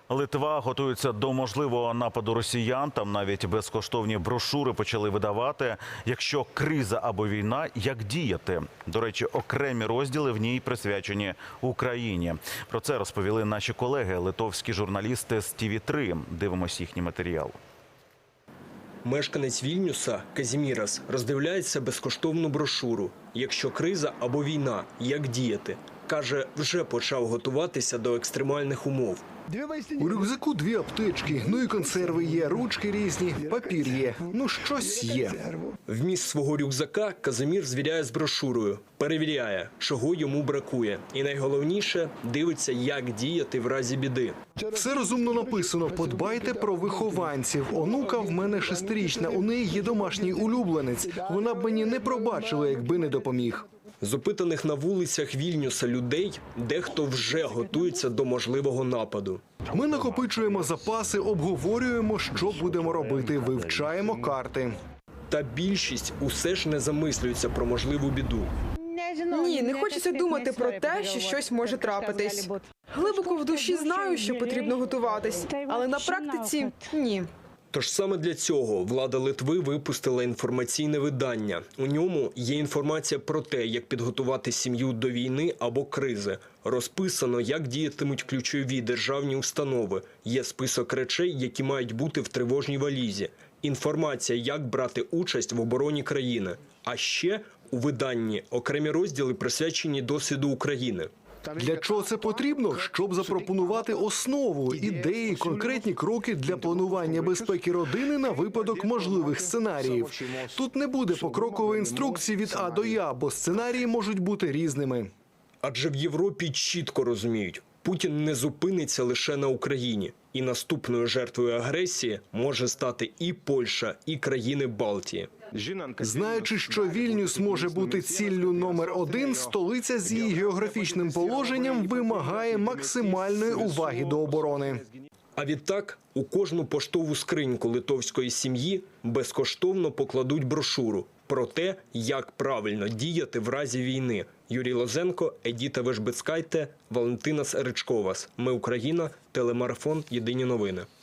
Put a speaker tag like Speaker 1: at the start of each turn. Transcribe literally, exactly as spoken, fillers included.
Speaker 1: Литва готується до можливого нападу росіян. Там навіть безкоштовні брошури почали видавати. Якщо криза або війна, як діяти? До речі, окремі розділи в ній присвячені Україні. Про це розповіли наші колеги, литовські журналісти з Ті Ві три. Дивимось їхній матеріал.
Speaker 2: Мешканець Вільнюса Казімірас роздивляється безкоштовну брошуру «Якщо криза або війна, як діяти?». Каже, вже почав готуватися до екстремальних умов.
Speaker 3: У рюкзаку дві аптечки, ну і консерви є, ручки різні, папір є, ну щось є.
Speaker 2: Вміст свого рюкзака Казимір звіряє з брошурою, перевіряє, чого йому бракує. І найголовніше – дивиться, як діяти в разі біди.
Speaker 3: Все розумно написано, подбайте про вихованців. Онука в мене шестирічна, у неї є домашній улюбленець. Вона б мені не пробачила, якби не допоміг.
Speaker 2: З опитаних на вулицях Вільнюса людей дехто вже готується до можливого нападу.
Speaker 3: Ми накопичуємо запаси, обговорюємо, що будемо робити, вивчаємо карти.
Speaker 2: Та більшість усе ж не замислюється про можливу біду.
Speaker 4: Ні, не хочеться думати про те, що щось може трапитись. Глибоко в душі знаю, що потрібно готуватись, але на практиці – ні.
Speaker 2: Тож саме для цього влада Литви випустила інформаційне видання. У ньому є інформація про те, як підготувати сім'ю до війни або кризи. Розписано, як діятимуть ключові державні установи. Є список речей, які мають бути в тривожній валізі. Інформація, як брати участь в обороні країни. А ще у виданні окремі розділи присвячені досвіду України.
Speaker 3: Для чого це потрібно? Щоб запропонувати основу, ідеї, конкретні кроки для планування безпеки родини на випадок можливих сценаріїв. Тут не буде покрокової інструкції від А до Я, бо сценарії можуть бути різними.
Speaker 2: Адже в Європі чітко розуміють, Путін не зупиниться лише на Україні. І наступною жертвою агресії може стати і Польща, і країни Балтії.
Speaker 3: Знаючи, що Вільнюс може бути ціллю номер один, столиця з її географічним положенням вимагає максимальної уваги до оборони.
Speaker 2: А відтак у кожну поштову скриньку литовської сім'ї безкоштовно покладуть брошуру про те, як правильно діяти в разі війни. Юрій Лозенко, Едіта Вежбецькайте, Валентина Ричковас. Ми Україна, телемарафон «Єдині новини».